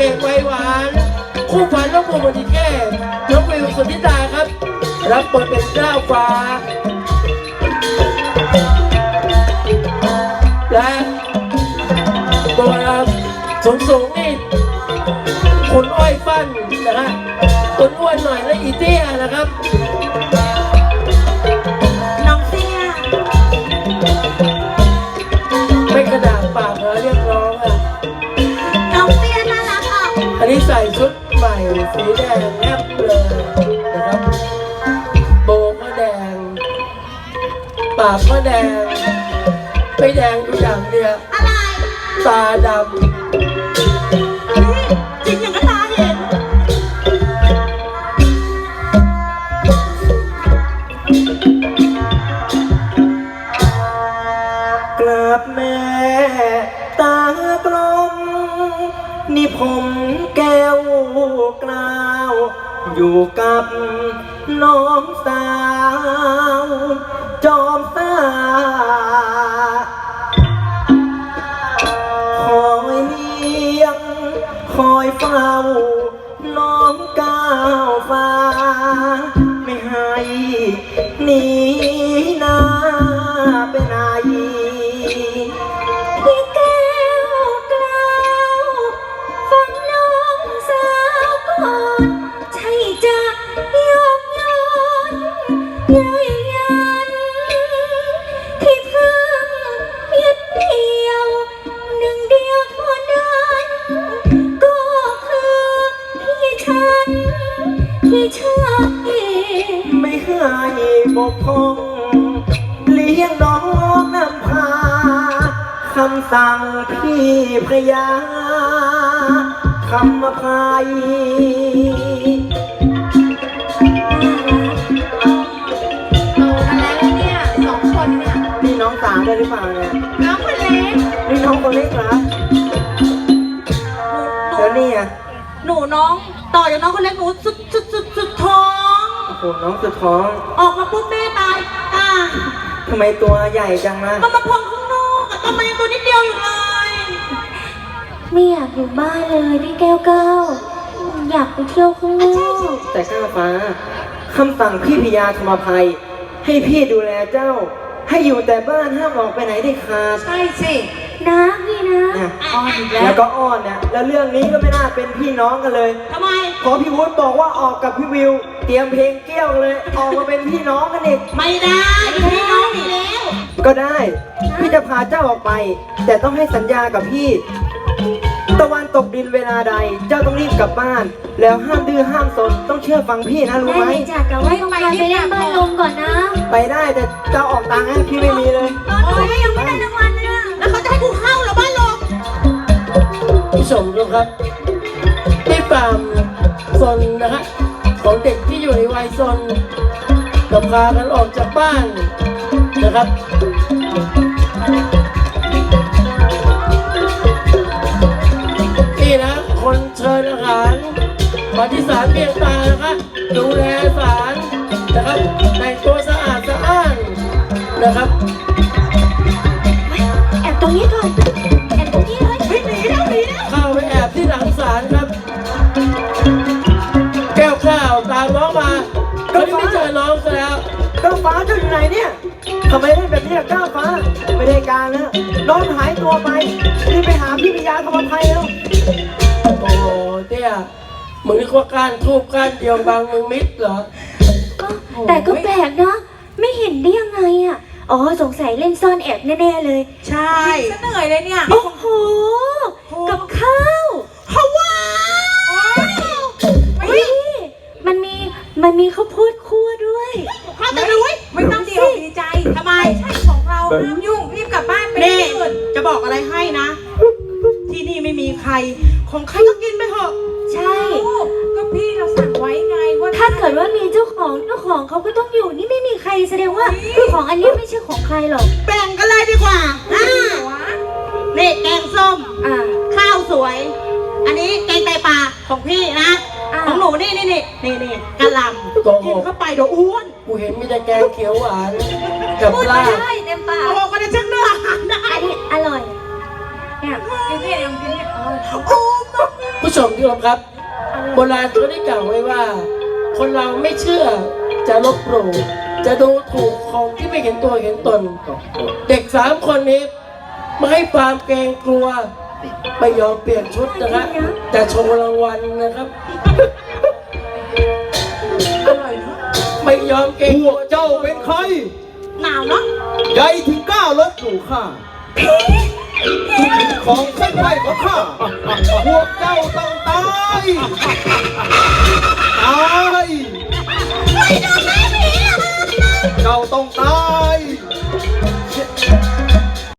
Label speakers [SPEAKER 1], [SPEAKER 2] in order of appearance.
[SPEAKER 1] อกไวหวานคู่ฝันน้องภูมิแก้น้องวิวสุทธิตาครับรับบทเป็นเจ้าฟ้าและตัวสูงนี่คุณอ้อยฟันนะฮะตัวอ้วนหน่อยและอีเตี้ยนะครับ
[SPEAKER 2] น้องเตี้ย
[SPEAKER 1] ไม่กระดาษปากเรียกร้องอ่ะ
[SPEAKER 2] น้องเตี้ยน่ารักอ่ะ
[SPEAKER 1] อันนี้ใส่ชุดใหม่สีแดงแนบเลยนะครับโบก็แดงปากก็แดงไม่แดงดูอย่างเดียว
[SPEAKER 2] อะไร
[SPEAKER 1] ตาดำ
[SPEAKER 2] จริงอย่างก็ตาเห็น
[SPEAKER 1] กราบแม่ตากลมนี่ผมแก้วกล้าวอยู่กับน้องสาวจอมซ่าคอยเลี้ยงคอยเฝ้าน้องก้าวฟ้าไม่ให้หนีหน้าไปไหน
[SPEAKER 2] พี่แก้วกล้าวฟังน้องสาวก่อนใช่จะยกย้อนยืนยันที่เพิ่งยึดเหนี่ยวหนึ่งเดียวเท่านั้นก็คือพี่ฉันที่ชอบ
[SPEAKER 1] ไม่ให้บกพร่องเลี้ยงน้องนำพาคำสั่งพี่พระยาคำอภัย
[SPEAKER 2] โตกันแล้วเนี่ยสองคนเนี่ย
[SPEAKER 1] นี่น้องสาวได้หรือเปล่าเนี่ย
[SPEAKER 2] น้องคนเล็ก
[SPEAKER 1] นี่น้องคนเล็กเหรอแล้วนี่อ่ะ
[SPEAKER 2] หนูน้องต่อจากน้องคนเล็กหนูสุดท้อง
[SPEAKER 1] โอ้โหน้องสุดท้อง
[SPEAKER 2] ออกมาปุ๊บแม่ตาย
[SPEAKER 1] ทำไมตัวใหญ่จังนะ
[SPEAKER 2] มันมาพองข้างนอกทำไมตัวนิดเดียวอยู่เลยไม่อยากอยู่บ้านเลยพี่แก้วก้าวอยากไปเที่ยวข้างนอก
[SPEAKER 1] แต่ข้าฟ้าคำสั่งพี่พญาธรรมภัยให้พี่ดูแลเจ้าให้อยู่แต่บ้านห้ามออกไปไหนได้ขาด
[SPEAKER 2] ใช่สินะพี่นะ
[SPEAKER 1] อ้อนอีกแล้วก็อ้อนเนี่ยแล้วเรื่องนี้ก็ไม่น่าเป็นพี่น้องกันเลย
[SPEAKER 2] ทำไม
[SPEAKER 1] พอพี่วุฒิบอกว่าออกกับพี่วิวเตรียมเพลงเกี้ยวเลยออกมาเป็นพี่น้องกันอีก
[SPEAKER 2] ไม่ได้พี่น้องอีกแล้ว
[SPEAKER 1] ก็ได้พี่จะพาเจ้าออกไปแต่ต้องให้สัญญากับพี่ตะวันตกดินเวลาใดเจ้าต้องรีบกลับบ้านแล้วห้ามดื้อห้ามสนต้องเชื่อฟังพี่นะรู้ไหม
[SPEAKER 2] ได้จ้ะแต่ว่าต้องไปเล่นบ้านลมก่อนนะ
[SPEAKER 1] ไปได้แต่เจ้าออกตังค์ให้พี่ไม่มีเลย
[SPEAKER 2] โอ้ยยังไม่ได้รางวัลเลยแล้วเขาจะให้กูเข้าหรือบ้านลม
[SPEAKER 1] พี่สมรู้ครับที่ปามซนนะฮะของเด็กที่อยู่ในวัยซนกับพากันออกจากบ้านนะครับนี่นะคนเชิญอาหารมาที่ศาลเพียงตานะครับดูแลศาลนะครับแต่งตัวสะอาดสะอ้านนะครับ
[SPEAKER 2] แอบตรงนี้ก่อนแอบตรงนี้เลยหนีแล้ว
[SPEAKER 1] เข้าไปแอบที่หลังศาลครับแก้วข้าวตามน้องมาก็ไม่เจอน้องซะแล้วก้าวฟ้าเจ้าอยู่ไหนเนี่ยทำไมได้แบบนี้ล่ะก้าวฟ้าไม่ได้การแล้วน้องหายตัวไปรีบไปหาพี่พญาธรรมภัยแล้วโอ้โหเตี้ยมึงนึกว่าการทูบการเดียวบางมึงมิดเหรอ
[SPEAKER 2] แต่ก็แปลกนะไม่เห็นได้ยังไงอ่ะอ๋อสงสัยเล่นซ่อนแอบแน่ๆเลยใช่เหนื่อยเลยเนี่ยโอ้โหกับข้าวว้าวมันมีข้าวโพดคั่วด้วยข้าวแต่รู้ไม่ต้องดีอกดีใจทำไมใช่ของเราห้ามยุ่งรีบกลับบ้านไปนี่จะบอกอะไรให้นะที่นี่ไม่มีใครของใครก็กินไปเถอะใช่ก็พี่เราสั่งไว้ไงว่าถ้าเกิดว่ามีเจ้าของเขาก็ต้องอยู่นี่ไม่มีใครแสดงว่าของอันนี้ไม่ใช่ของใครหรอกแบ่งกันเลยดีกว่านี่แกงส้มข้าวสวยอันนี้แกงไตปลาของพี่นะของหนูนี่กะหล่ำกินเข้าไปเดี๋ยวอ้วน
[SPEAKER 1] กูเห็นมีแต่แกงเขียวหวานกับปลา
[SPEAKER 2] ได้เต็มปากโอ้ก็ได้ชักเนื้อได้อร่อยเนี่ยกินเนี่ยโอ้
[SPEAKER 3] ผู้ชมที่เคารพครับโบราณเขาได้กล่าวไว้ว่า คนเราไม่เชื่อจะลบหลู่จะดูถูกของที่ไม่เห็นตัวเห็นตน เด็ก3 คนนี้ไม่ให้ความเกรงกลัวไม่ยอมเปลี่ยนชุดนะครับจะโชว์รางวัลนะครับ ไม่ยอมเกรง
[SPEAKER 4] พ
[SPEAKER 3] กลั
[SPEAKER 4] ว
[SPEAKER 3] ว
[SPEAKER 4] กเจ้าเป็นใคร
[SPEAKER 2] หนาวเนาะ
[SPEAKER 4] ใหญ่ถึงกล้าลบหลู่ข้าของเส้นไหวของข้าพวกเจ้าต้องตายตายเจ้าต้องตาย